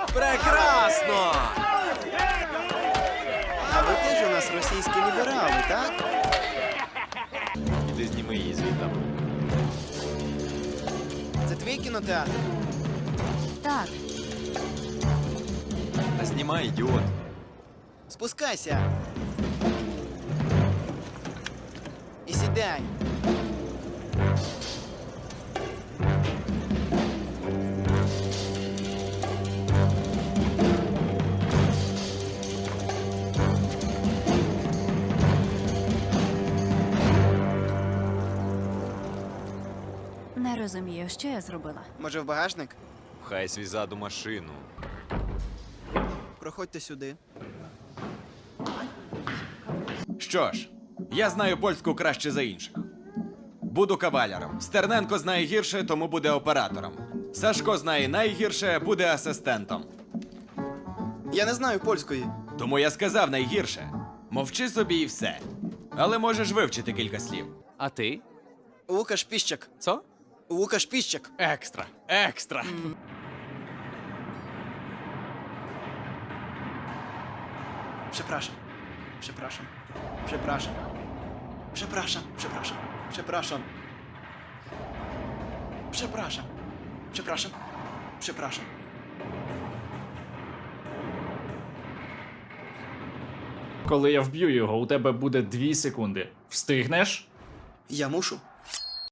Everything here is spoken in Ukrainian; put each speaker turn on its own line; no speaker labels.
Прекрасно!
А ви теж у нас російські ліберали, так?
Іди зніми її звідти.
Це твій кінотеатр?
Так,
Та знімай, ідіот.
Спускайся. І сідай.
не розумію, що я зробила.
Може, в багажник?
Пхай свій зад у машину.
Проходьте сюди.
Що ж, я знаю польську краще за інших. Буду кавалером. Стерненко знає гірше, тому буде оператором. Сашко знає найгірше, буде асистентом.
Я не знаю польської.
Тому я сказав найгірше. Мовчи собі і все. Але можеш вивчити кілька слів.
А ти?
Лукаш Піщак.
Що?
Лукаш Піщак.
Екстра. Екстра.
Przepraszam. Przepraszam. Przepraszam. Przepraszam. Przepraszam. Przepraszam. Przepraszam. Przepraszam. Przepraszam.
Коли я вб'ю його, у тебе буде 2 секунди. Встигнеш?
Ja muszę.